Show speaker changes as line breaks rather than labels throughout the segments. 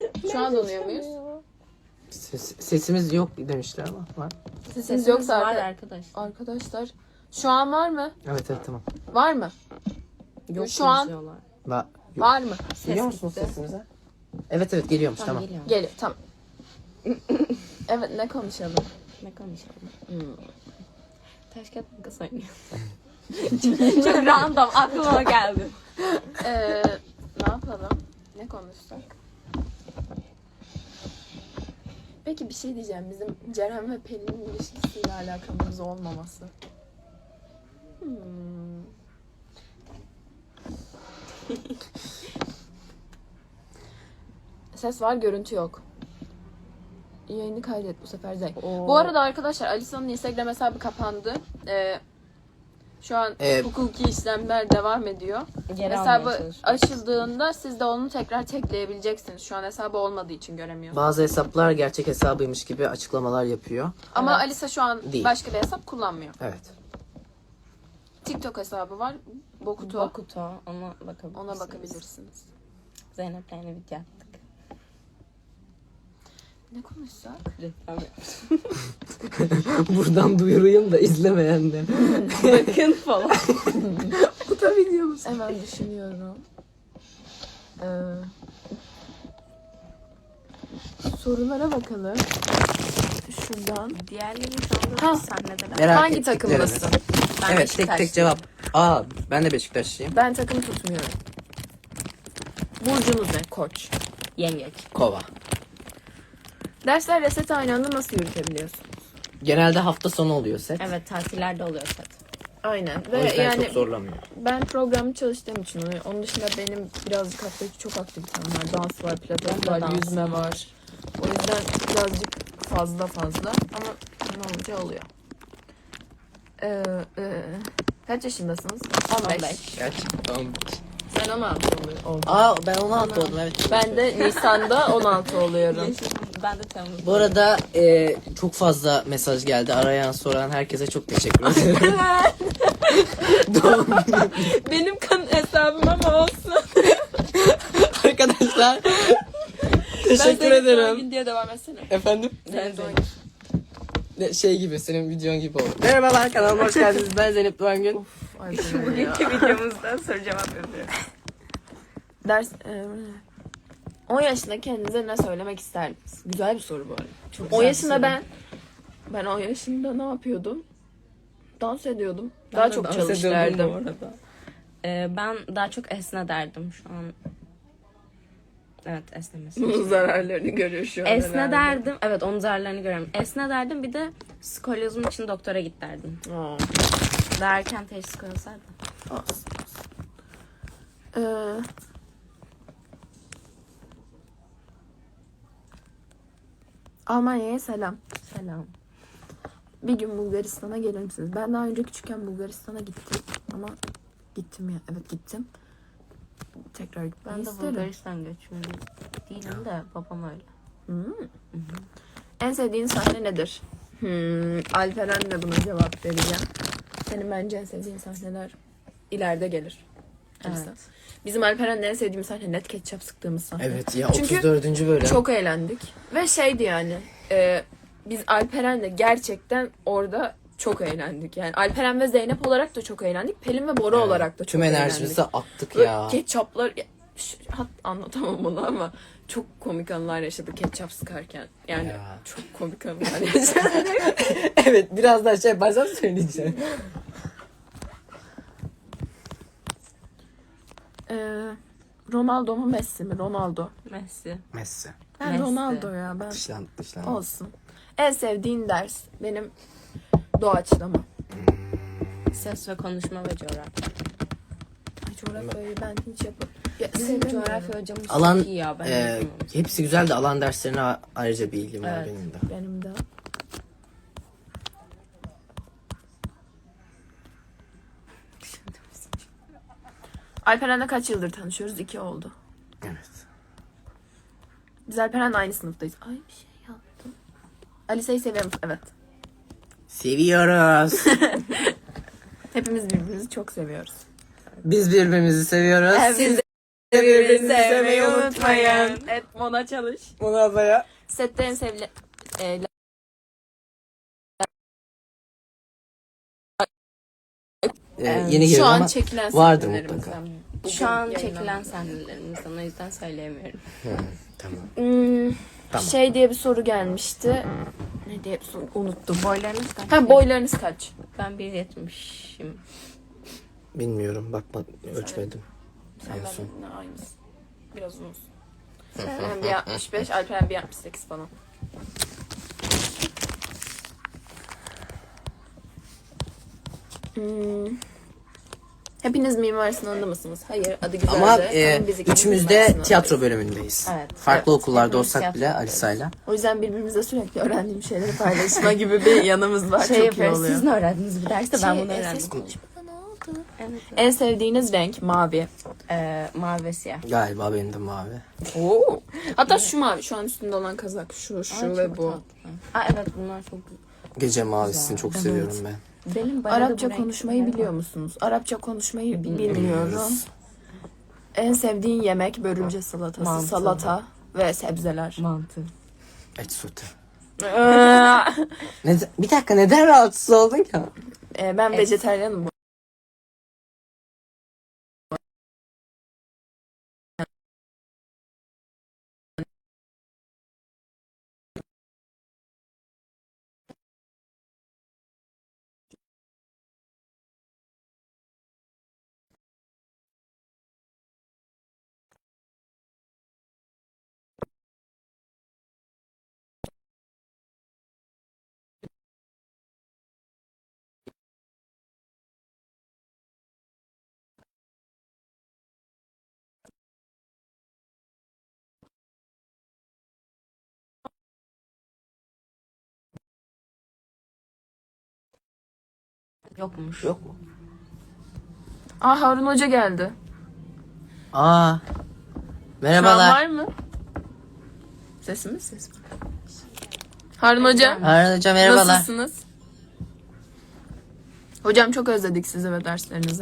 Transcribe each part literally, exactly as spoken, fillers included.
Şu an donuyor muyuz?
Ses, sesimiz yok demişler ama var.
Sesimiz,
Sesimiz
yoksa
var
arka-
arkadaşlar.
arkadaşlar. Şu an var mı?
Evet evet tamam.
Var mı?
Yok
Şu an-
yazıyorlar.
Va
Var mı?
Duyuyor musunuz
gitti.
sesimize? Evet evet geliyormuş tamam.
Geliyor.
Geliyor tamam. Evet ne konuşalım?
Ne konuşalım?
Hmm.
Taş kağıt makas oynuyor. Çok random aklıma geldi.
Ee, ne yapalım? Ne konuşsak? Peki bir şey diyeceğim. Bizim Ceren ve Pelin'in ilişkisiyle alakamız olmaması. Hmm. Ses var, görüntü yok. Yayını kaydet bu sefer de.
Oo.
Bu arada arkadaşlar Alisa'nın Instagram hesabı kapandı. Ee, şu an
Ee,
hukuki işlemler devam ediyor.
Geri almaya
Hesabı
çalışıyoruz.
açıldığında siz de onu tekrar tekleyebileceksiniz. Şu an hesabı olmadığı için göremiyorsunuz.
Bazı hesaplar gerçek hesabıymış gibi açıklamalar yapıyor.
Ama
Evet.
Alisa şu an
Değil.
başka bir hesap kullanmıyor.
Evet.
TikTok hesabı var. Bokuto.
Bokuto. Ona bakabilirsiniz.
Ona bakabilirsiniz.
Zeynep'le yeni video attık.
Ne konuşsak?
Reklam
Buradan duyurayım da izlemeyenler.
bakın falan.
Bu da videomuz.
Hemen düşünüyorum. Ee, sorulara bakalım. Şuradan.
Diğerleri şu anda
Ha.
sahnedeler.
Merak
Hangi
ettikleriniz.
takımlısın?
Ben
Evet tek tek
Beşiktaşlıyım.
cevap. Aa ben de Beşiktaşlıyım.
Ben takım tutmuyorum. Burcunuz ne? Koç.
Yengeç.
Kova.
Dersler reset aynı anda nasıl yürütebiliyorsun?
Genelde hafta sonu oluyor set.
Evet tatillerde oluyor set.
Aynen.
O
Ve
yüzden
yani
çok zorlamıyor.
ben programı çalıştığım için onu- onun dışında benim birazcık haftaki çok aktivitem var. Dans var, pilates
Ben de
var,
dansım
yüzme var. O yüzden birazcık fazla fazla ama ne olunca oluyor. Ee, e, kaç yaşındasınız? on beş.
on beş.
Gerçekten.
Sen on altı oluyor. oldun.
Aa ben on altı oldum evet.
Ben de Nisan'da on altı oluyorum.
Ben de Temmuz.
Bu arada e, çok fazla mesaj geldi. Arayan soran herkese çok teşekkür ederim. Doğum günü.
Benim kan hesabım ama olsun.
Arkadaşlar teşekkür
Ben senin doğum
ederim.
günü diye devam etsene.
Efendim?
Senin doğum
Ne- Şey gibi senin videon gibi oldu. Merhabalar kanalıma hoş geldiniz. Ben Zeynep Doğangün.
Ay, bu ne ya?
Bugünkü videomuzda soru cevap yapıyoruz.
Ders e, on yaşında kendinize ne söylemek isterdiniz? Güzel bir soru bu arada.
Çok
on
güzel
yaşında
bir soru.
ben ben on yaşında ne yapıyordum? Dans ediyordum. Daha
Ben de
çok
dans
çalış
ediyordum
derdim.
bu arada. Ee, ben daha çok esne derdim şu an. Evet esnemesi.
Bunun zararlarını görüyor şu an.
Esne
herhalde.
derdim. Evet onun zararlarını görüyorum. Esne derdim bir de skolyozum için doktora git derdim.
Aa,
Daha erken teşhis koysaydım.
olsun. Ee, Almanya'ya selam.
Selam.
Bir gün Bulgaristan'a gelir misiniz? Ben daha önce küçükken Bulgaristan'a gittim. Ama gittim ya. Evet gittim. Tekrar gitmeyi
Ben de
isterim.
Bulgaristan göçmeni değilim de babam öyle.
Hmm. En sevdiğin sahne nedir? Hmm. Alperen'le buna cevap vereceğim. Senin bence en sevdiğin sahneler ileride gelir. Alisa.
Evet.
Bizim Alperen'le en sevdiğim sahne net ketçap sıktığımız sahne.
Evet ya
Çünkü
otuz dördüncü bölüm.
Çok eğlendik. Ve şeydi yani. E, biz Alperen'le gerçekten orada çok eğlendik. Yani Alperen ve Zeynep olarak da çok eğlendik. Pelin ve Bora
Evet,
olarak da çok
tüm
eğlendik.
enerjimizi attık
Böyle
ya.
ketçaplar... ya, ş- hat, anlatamam onu ama çok komik anılar yaşadık ketçap sıkarken. Yani
Ya.
çok komik anılar yaşadık.
Evet biraz daha şey bazen söyleyeceğim.
Ee, Ronaldo mu Messi mi? Ronaldo.
Messi.
Messi.
Ben
Messi.
Ronaldo ya ben.
Dışlandık dışlandık.
Olsun. En sevdiğin ders benim doğaçlama.
Ses ve konuşma ve coğrafya.
Ay coğrafyayı ben hiç yapamam. Ya,
Bizim
sevmiyorum.
coğrafya hocamız
Alan
çok iyi ya. Ben
e,
yapamam.
hepsi güzel de alan derslerine a- ayrıca bir ilgim var
Evet.
benim de.
Benim de. Alperen'le kaç yıldır tanışıyoruz? İki oldu.
Evet.
Biz Alperen'le aynı sınıftayız. Ay bir şey yaptım. Alisa'yı seviyor musun? Evet.
Seviyoruz.
Hepimiz birbirimizi çok seviyoruz.
Biz birbirimizi seviyoruz.
Evet.
Siz
Birbirinizi sevmeyi unutmayın. Evet, Mona çalış.
Bunu ablaya.
Sette en sevilen... E,
Ee,
e,
yeni
şu
geliyor
an
ama
çekilen
vardır
sahnelerimizden.
mutlaka.
Bugün
Şu an
yayınlanan-
çekilen sahnelerimizden, o yüzden söyleyemiyorum.
Hı, tamam.
Hmm,
Tamam.
Şey diye bir soru gelmişti. Ne diye bir soru unuttum.
Boylarınız kaç?
Ha, boylarınız kaç?
Ben bir yetmişim.
Bilmiyorum, bakma, ölçmedim.
Sen
En son.
benimle aynısın. Biraz uzunsun. Ben bir altmış beş, Alperen bir altmış sekiz falan. Hmm. Hepiniz Mimar Sinan'da mısınız? Hayır, adı güzeldi.
Ama e,
biz ikimiz
üçümüz
Mimar
de
Sinan'dayız.
tiyatro bölümündeyiz.
Evet.
Farklı
Evet.
okullarda
Hepimiz
olsak bile
tiyatrodayız.
Alisa'yla.
O yüzden birbirimize sürekli öğrendiğim şeyleri paylaşma gibi bir yanımız var.
Şey
Çok iyi
yapıyoruz,
oluyor.
siz ne öğrendiniz bir derste? Ben
Şey,
bunu
e,
öğrendim.
ses konuşmada ne oldu?
Evet.
En sevdiğiniz renk mavi.
Ee, mavi ve siyah.
Galiba benim de mavi.
Oo. Hatta şu mavi, şu an üstünde olan kazak. Şu, şu
Aa,
ve
çok
bu.
tatlı. Aa, evet, bunlar çok güzel.
Gece mavisini çok
Evet.
seviyorum ben.
Benim bayağı da
Arapça
bu
konuşmayı
renkler
biliyor
var.
musunuz? Arapça konuşmayı bi- bilmiyorum. En sevdiğin yemek börülce salatası,
Mantı.
salata ve sebzeler.
Mantı.
Et sote.
Ee,
Neden, bir dakika, neden rahatsız oldun ki?
e, ben vejetaryenim bu.
Yokmuş.
Yok mu?
Aa, Harun Hoca geldi.
Aa.
Şu an
Merhabalar.
var mı? Sesimiz ses mi? Harun Hocam.
Harun hocam merhabalar.
Nasılsınız? Hocam çok özledik sizi ve derslerinizi.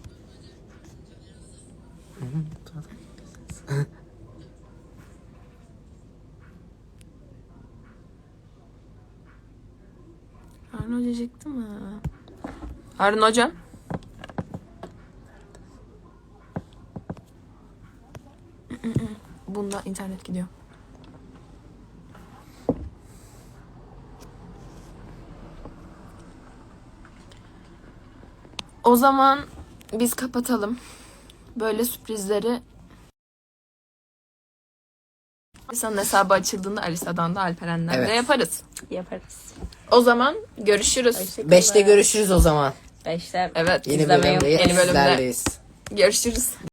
Harun Hoca çıktı mı? Harun Hocam. Bunda internet gidiyor. O zaman biz kapatalım. Böyle sürprizleri Alisa'nın hesabı açıldığında Alisa'dan da Alperen'den
Evet.
de yaparız.
Yaparız.
O zaman görüşürüz.
Hoşçakalın.
Beşte görüşürüz o zaman.
Beşte
Evet.
Yeni
İzlemeyi
bölümdeyiz.
Yeni bölümde.
Sizlerleyiz.
Görüşürüz.